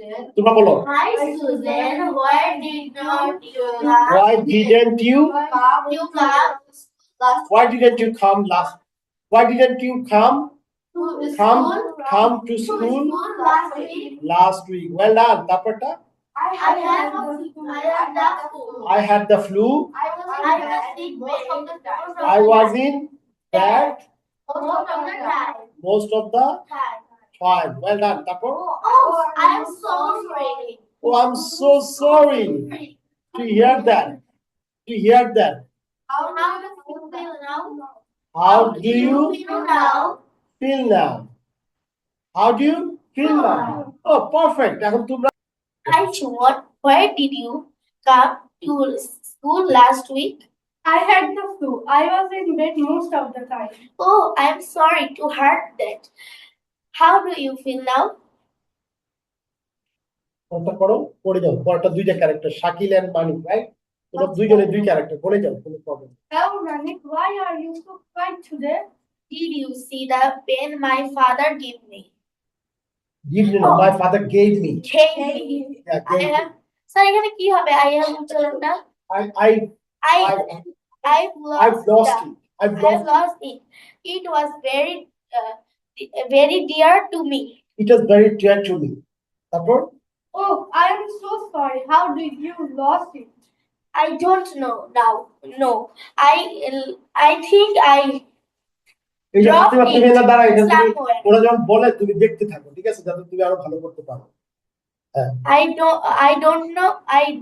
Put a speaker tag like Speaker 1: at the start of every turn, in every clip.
Speaker 1: তোমরা বলো।
Speaker 2: Hi Susan,
Speaker 1: Why didn't you
Speaker 2: you come
Speaker 1: Why didn't you come last? Why didn't you come to school
Speaker 2: last week?
Speaker 1: last week? Well done. তারপরটা
Speaker 2: I have the flu.
Speaker 1: I had the flu.
Speaker 2: I was sick most of the time.
Speaker 1: I was in bed
Speaker 2: Most of the time.
Speaker 1: most of the time. Well done. তারপর
Speaker 2: Oh, I'm so sorry.
Speaker 1: Oh, I'm so sorry to hear that. To hear that.
Speaker 2: How do you feel now?
Speaker 1: How do you
Speaker 2: feel now?
Speaker 1: feel now? How do you feel now? Oh, perfect. এখন তোমরা
Speaker 2: Hi Chumot, where did you come to school last week?
Speaker 3: I had the flu. I was in bed most of the time.
Speaker 2: Oh, I'm sorry to hear that. How do you feel now?
Speaker 1: কোনটা করো পড়ে যাও পরটা দুইটা character Shakil and Manik right তোমরা দুইজনে দুই character পড়ে যাও কোনো problem
Speaker 3: Hello, Manik. Why are you so quiet today?
Speaker 2: Did you see the pen my father gave me?
Speaker 1: give me no, my father gave me
Speaker 2: Gave me.
Speaker 1: yeah,
Speaker 2: I
Speaker 1: gave me.
Speaker 2: have. Sir, এখানে কি হবে? I have না? I've
Speaker 1: I've lost it I've
Speaker 2: I've
Speaker 1: lost
Speaker 2: lost it. It was very dear to me.
Speaker 1: it was very dear to me তারপর
Speaker 3: Oh, I am so sorry. How did you lost it?
Speaker 2: I don't know now. No, I think I
Speaker 1: এই যে
Speaker 2: Drop
Speaker 1: তুমি
Speaker 2: it
Speaker 1: না দাঁড়াও এটা তুমি
Speaker 2: somewhere.
Speaker 1: ওরা যখন বলে তুমি দেখতে থাকো ঠিক আছে যাতে তুমি আরো ভালো করতে পারো হ্যাঁ
Speaker 2: I don't know.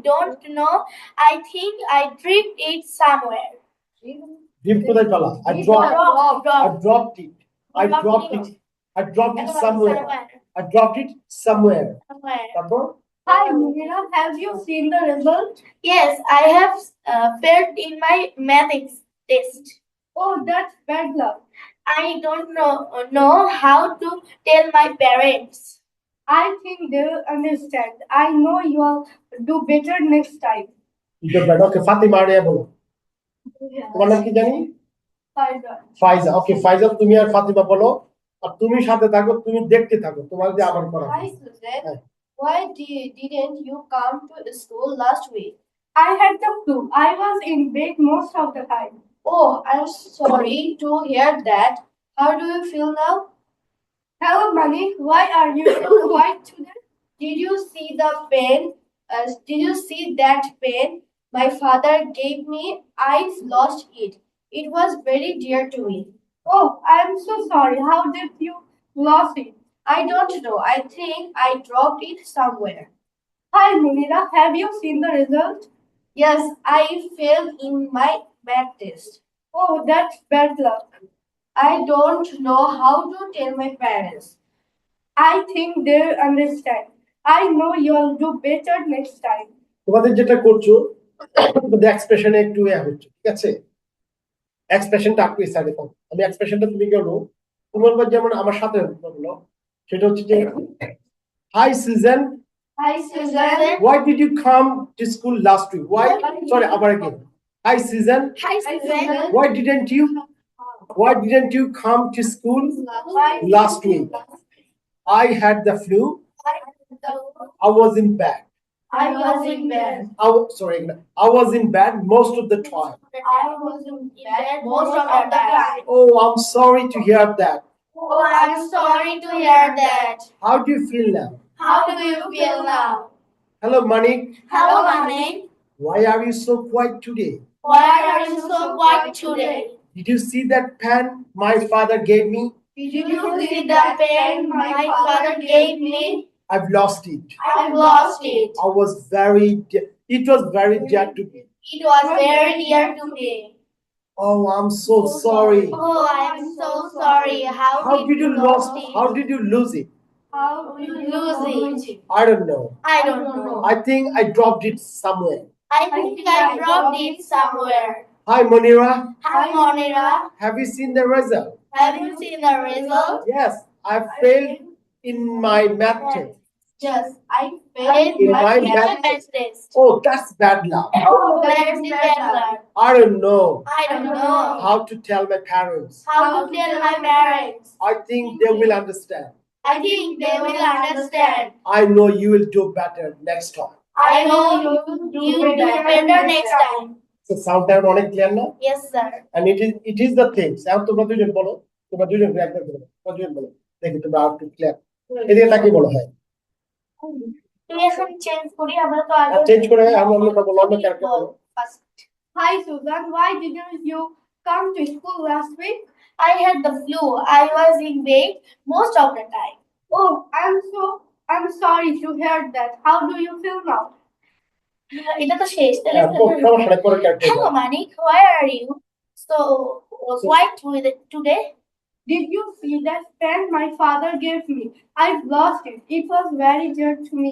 Speaker 2: I think I dropped it somewhere.
Speaker 1: ডিপ কোথায় পেলা I dropped it I dropped it I dropped it somewhere I dropped it somewhere তারপর
Speaker 3: Hi, Mira. Have you seen the result?
Speaker 2: Yes, I have failed in my maths test.
Speaker 3: Oh, that's bad luck.
Speaker 2: I don't know how to tell my parents.
Speaker 3: I think they will understand. I know you'll do better next time.
Speaker 1: এটা বেটা ওকে Fatima area বলো তোমার নাম কি জানি ফাইজা ওকে ফাইজা তুমি আর ফাতিমা বলো আর তুমি সাথে থাকো তুমি দেখতে থাকো তোমার যে আবার করা
Speaker 4: Hi Susan, why didn't you come to school last week?
Speaker 3: I had the flu. I was in bed most of the time.
Speaker 4: Oh, I'm sorry to hear that. How do you feel now?
Speaker 3: Hello, Manik. Why are you so quiet today?
Speaker 4: Did you see the pen? Did you see that pen my father gave me? I lost it. It was very dear to me.
Speaker 3: Oh, I am so sorry. How did you lost it?
Speaker 4: I don't know. I think I dropped it somewhere.
Speaker 3: Hi, Munira. Have you seen the result?
Speaker 4: Yes, I failed in my math test.
Speaker 3: Oh, that's bad luck.
Speaker 4: I don't know how to tell my parents.
Speaker 3: I think they will understand. I know you'll do better next time.
Speaker 1: তোমাদের যেটা করছো তোমাদের এক্সপ্রেশনে একটু হচ্ছে ঠিক আছে এক্সপ্রেশনটা আপনি সাইডে দাও আমি এক্সপ্রেশনটা তুমি গেলো তোমার যেমন আমার সাথে বলো সেটা হচ্ছে যে hi Susan
Speaker 4: Hi Susan.
Speaker 1: why did you come to school last week sorry abar again hi Susan
Speaker 2: Hi, Susan.
Speaker 1: why didn't you come to school last week I had the flu I was in bed
Speaker 4: I was in bed.
Speaker 1: I was in bed most of the time
Speaker 4: I was in bed most of the time.
Speaker 1: oh I'm sorry to hear that
Speaker 2: Oh, I'm sorry to hear that.
Speaker 1: how do you feel now
Speaker 2: How do you feel now?
Speaker 1: hello Manik
Speaker 2: Hello, Manik.
Speaker 1: why are you so quiet today
Speaker 2: Why are you so quiet today?
Speaker 1: did you see that pen my father gave me
Speaker 2: Did you see the pen my father gave me?
Speaker 1: I've lost it
Speaker 2: I've lost it.
Speaker 1: it was very dear to me
Speaker 2: It was very dear to me.
Speaker 1: oh I'm so sorry
Speaker 2: Oh, I'm so sorry. How did you lose it?
Speaker 1: how did you lose it
Speaker 2: How did you lose it?
Speaker 1: I don't know
Speaker 2: I don't know.
Speaker 1: I think I dropped it somewhere
Speaker 2: I think I dropped it somewhere.
Speaker 1: hi Monira
Speaker 2: Hi, Monira.
Speaker 1: have you seen the result
Speaker 2: Have you seen the result?
Speaker 1: yes I failed in my math test
Speaker 4: Just I
Speaker 2: In
Speaker 4: failed
Speaker 1: In
Speaker 2: my
Speaker 1: my
Speaker 2: math
Speaker 1: math
Speaker 2: test.
Speaker 1: oh that's bad luck
Speaker 2: Oh, that's the bad luck.
Speaker 1: I don't know
Speaker 2: I don't know
Speaker 1: how to tell my parents
Speaker 2: how to tell my parents.
Speaker 1: I think they will understand
Speaker 2: I think they will understand.
Speaker 1: I know you will do better next time.
Speaker 2: I know you will do better next time.
Speaker 1: So sound time অনেক clear না?
Speaker 2: Yes, sir.
Speaker 1: And it is the things. এখন তোমরা দুজন বলো, তোমরা দুজন একবার বলো, দুজন বলো। দেখি তোমরা আর একটু ক্লিয়ার। এদিকে তাকিয়ে বলো হয়।
Speaker 2: তুই এখন চেঞ্জ করি আমরা তো আগে
Speaker 1: চেঞ্জ করে আমরা বলো অন্য ক্যারেক্টার বলো।
Speaker 2: First.
Speaker 3: Hi Susan, why didn't you come to school last week?
Speaker 2: I had the flu. I was in bed most of the time.
Speaker 3: Oh, I'm sorry to hear that. How do you feel now?
Speaker 2: এটা তো শেষ তাহলে
Speaker 1: সমস্যা নাই পরে character
Speaker 2: Hello, Manik. Where are you? So quiet with it today.
Speaker 3: Did you see that pen my father gave me? I've lost it. It was very dear to me.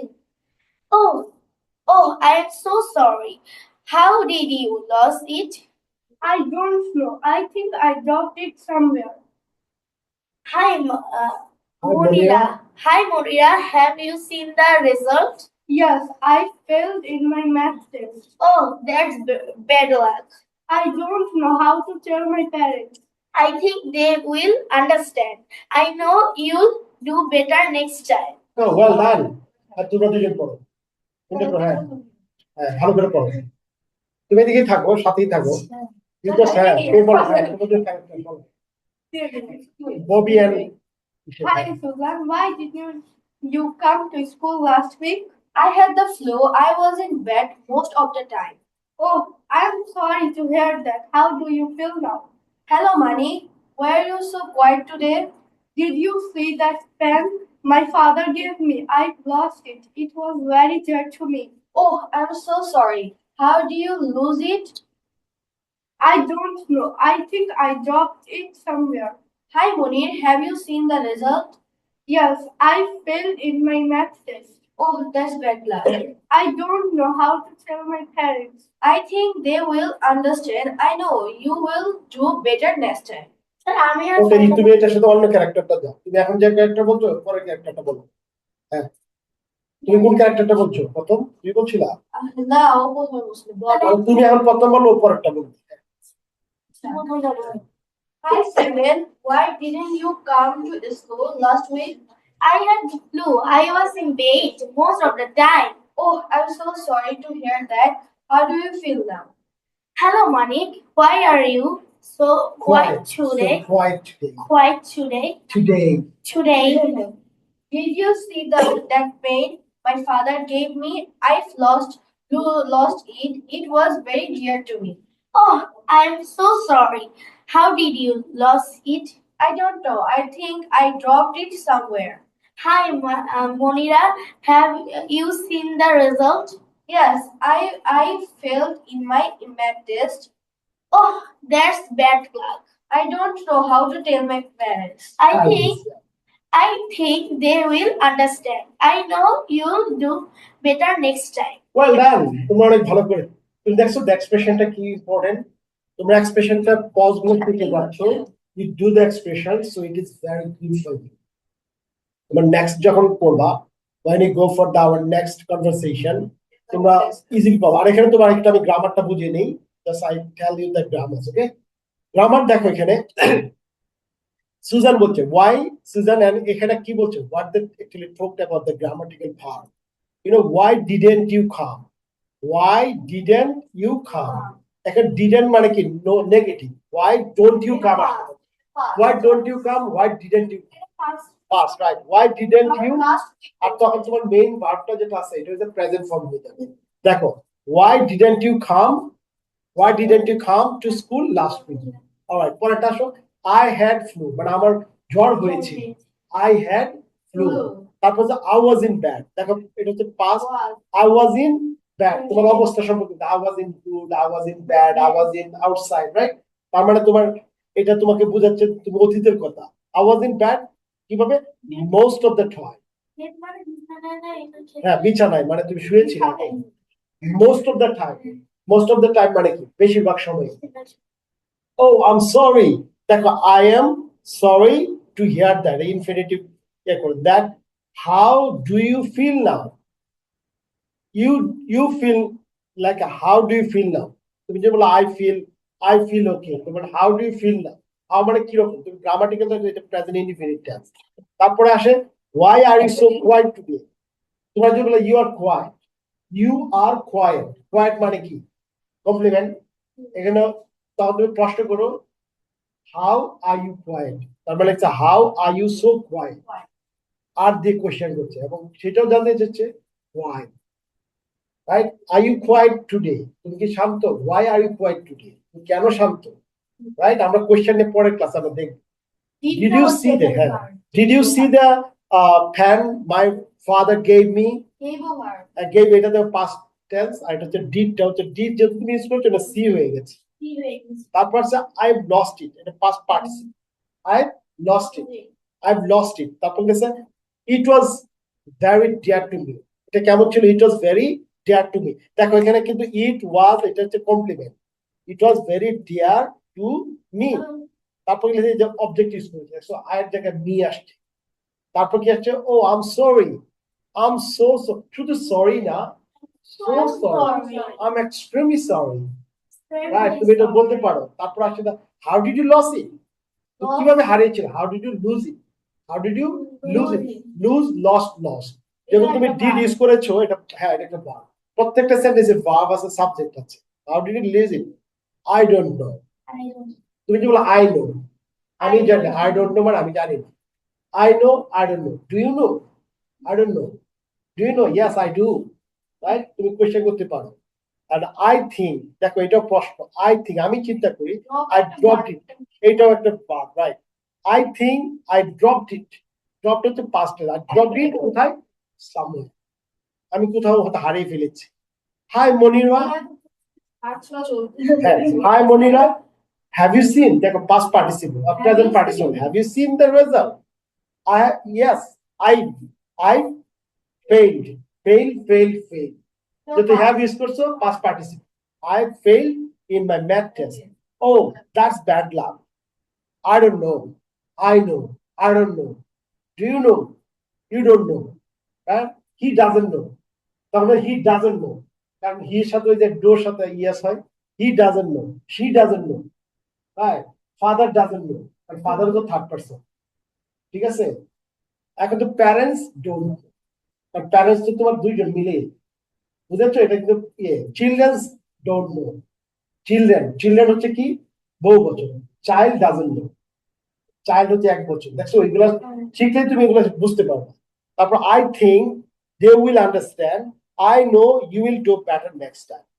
Speaker 2: Oh, I am so sorry. How did you lose it?
Speaker 3: I don't know. I think I dropped it somewhere.
Speaker 2: Hi, Monira. Hi, Monira. Have you seen the result?
Speaker 3: Yes, I failed in my math test.
Speaker 2: Oh, that's bad luck.
Speaker 3: I don't know how to tell my parents.
Speaker 2: I think they will understand. I know you'll do better next time.
Speaker 1: Oh, well done. আর তোমরা দুজন পড়ো। তোমরা পড়ো, হ্যাঁ। হ্যাঁ, ভালো করে পড়ো। তুমি এদিকেই থাকো, সাথেই থাকো। কিন্তু হ্যাঁ, তুমি বলো, হ্যাঁ, তোমাদের ক্যারেক্টার বলো। Bobby and
Speaker 3: Hi Susan, why did you come to school last week?
Speaker 4: I had the flu. I was in bed most of the time.
Speaker 3: Oh, I'm sorry to hear that. How do you feel now?
Speaker 4: Hello, Mani. Why are you so quiet today?
Speaker 3: Did you see that pen my father gave me? I've lost it. It was very dear to me.
Speaker 4: Oh, I'm so sorry. How do you lose it?
Speaker 3: I don't know. I think I dropped it somewhere.
Speaker 4: Hi, Munir. Have you seen the result?
Speaker 3: Yes, I failed in my math test.
Speaker 4: Oh, that's bad luck.
Speaker 3: I don't know how to tell my parents.
Speaker 4: I think they will understand. I know you will do better next time.
Speaker 2: Sir, আমি আর
Speaker 1: ওকে তুমি এটার সাথে অন্য ক্যারেক্টারটা দাও। তুমি এখন যে ক্যারেক্টার বলছো পরের ক্যারেক্টারটা বলো। হ্যাঁ। তুমি কোন ক্যারেক্টারটা বলছো? প্রথম তুমি বলছিলা?
Speaker 4: না, ও প্রথমে বলছিল।
Speaker 1: আর তুমি এখন প্রথম বলো পরেরটা বলো।
Speaker 4: Hi, Steven. Why didn't you come to school last week?
Speaker 2: I had the flu. I was in bed most of the time.
Speaker 4: Oh, I'm so sorry to hear that. How do you feel now?
Speaker 2: Hello, Manik. Why are you so quiet today?
Speaker 1: So quiet today.
Speaker 2: Quiet today.
Speaker 1: Today.
Speaker 4: Did you see that pen my father gave me? I've lost it. It was very dear to me.
Speaker 2: Oh, I'm so sorry. How did you lose it?
Speaker 4: I don't know. I think I dropped it somewhere.
Speaker 2: Hi, Monira. Have you seen the result?
Speaker 4: Yes, I failed in my math test.
Speaker 2: Oh, that's bad luck.
Speaker 4: I don't know how to tell my parents.
Speaker 2: I think they will understand. I know you'll do better next time.
Speaker 1: Well done. তোমরা অনেক ভালো করে। তুমি দেখছো the এক্সপ্রেশনটা কি important. তোমরা এক্সপ্রেশনটা pause গুলো থেকে যাচ্ছ। You do the expression so it is very crucial. তোমরা নেক্সট যখন করবা when you go for our next conversation তোমরা ইজিলি পাবা। আর এখানে তোমার একটা আমি গ্রামারটা বুঝিয়ে নেই। Just I tell you the grammar, okay? Grammar দেখো এখানে সুজান বলছে why সুজান and এখানে কি বলছে what they actually talked about the grammatical part. You know, why didn't you come? Why didn't you come? এখন didn't মানে কি no negative. Why don't you come? Why don't you come? Why didn't you? Past, right? Why didn't you? আর তখন তোমার main ভার্বটা যেটা আছে এটা হচ্ছে present form হয়ে যাবে। দেখো why didn't you come? Why didn't you come to school last week? Alright, পরেরটা আসো I had flu মানে আমার জ্বর হয়েছে। I had flu. তারপর যে I was in bed। দেখো এটা হচ্ছে past I was in bed তোমার অবস্থা সম্পর্কিত I was in good, I was in bad, I was in outside, right? তার মানে তোমার এটা তোমাকে বোঝাচ্ছে তুমি অতীতের কথা I was in bed কিভাবে most of the time হ্যাঁ বিছানায় মানে তুমি শুয়েছিলে most of the time মানে কি বেশিরভাগ সময় oh I'm sorry দেখো I am sorry to hear that infinitive that how do you feel now you feel like how do you feel now তুমি যে বলো I feel okay তোমার how do you feel now how মানে কি রকম তুমি grammatical এটা present indefinite tense তারপরে আসে Why are you so quiet today? তোমরা যে বলে you are quiet. You are quiet. Quiet মানে কি? কমপ্লিমেন্ট। এখানে তখন তুমি প্রশ্ন করো how are you quiet? তার মানে হচ্ছে how are you so quiet? আর দিয়ে কোশ্চেন করছে এবং সেটাও জানতে চাচ্ছে why. Right? Are you quiet today? তুমি কি শান্ত? Why are you quiet today? তুমি কেন শান্ত? Right? আমরা কোশ্চেনের পরের ক্লাস আমরা দেখব। Did you see the Did you see the pen my father gave me? Gave এটা the past tense আর এটা হচ্ছে did টা হচ্ছে did যেহেতু তুমি ইউজ করছো এটা সি হয়ে গেছে। তারপর হচ্ছে I've lost it এটা past participle I've lost it তারপর গেছে it was very dear to me এটা কেমন ছিল it was very dear to me দেখো এখানে কিন্তু it was এটা হচ্ছে complement it was very dear to me তারপর গেছে যে অবজেক্ট ইউজ করেছে সো I এর জায়গায় me আসছে তারপর কি আসছে oh I'm sorry I'm so শুধু সরি না so sorry I'm extremely sorry right তুমি এটা বলতে পারো তারপর আসছে how did you lose it কিভাবে হারিয়েছিল how did you lose it how did you lose it lose lost যখন তুমি did ইউজ করেছো এটা হ্যাঁ এটা একটা ভার্ব প্রত্যেকটা সেন্টেন্সে ভার্ব আছে সাবজেক্ট আছে how did you lose it I don't know তুমি কি বলো I know আমি জানি I don't know মানে আমি জানি না I know I don't know do you know I don't know do you know yes I do right তুমি কোশ্চেন করতে পারো and I think দেখো এটা প্রশ্ন I think আমি চিন্তা করি I dropped it এটাও একটা verb right I think I dropped it dropped হচ্ছে past tense I dropped it কোথায় somewhere আমি কোথাও হয়তো হারিয়ে ফেলেছি Hi Monira Hi Monira have you seen দেখো past participle or present participle have you seen the result yes I failed So they have used also past participle. I failed in my math test. Oh, that's bad luck. I don't know. I know. I don't know. Do you know? You don't know. Right? He doesn't know. তাহলে he doesn't know. কারণ he সাথে ওই যে do সাথে yes হয়. He doesn't know. She doesn't know. Right? Father doesn't know. And father is a third person. ঠিক আছে? এখন তো parents don't know. কারণ parents তো তোমার দুইজন মিলে বুঝেছো এটা কিন্তু চিলড্রেন্স ডোন্ট নো চিলড্রেন হচ্ছে কি বহু বচন চাইল্ড ডাজন্ট নো চাইল্ড হচ্ছে এক বচন দেখছো ওইগুলো শিখলে তুমি এগুলো বুঝতে পারবে তারপর I think they will understand I know you will do better next time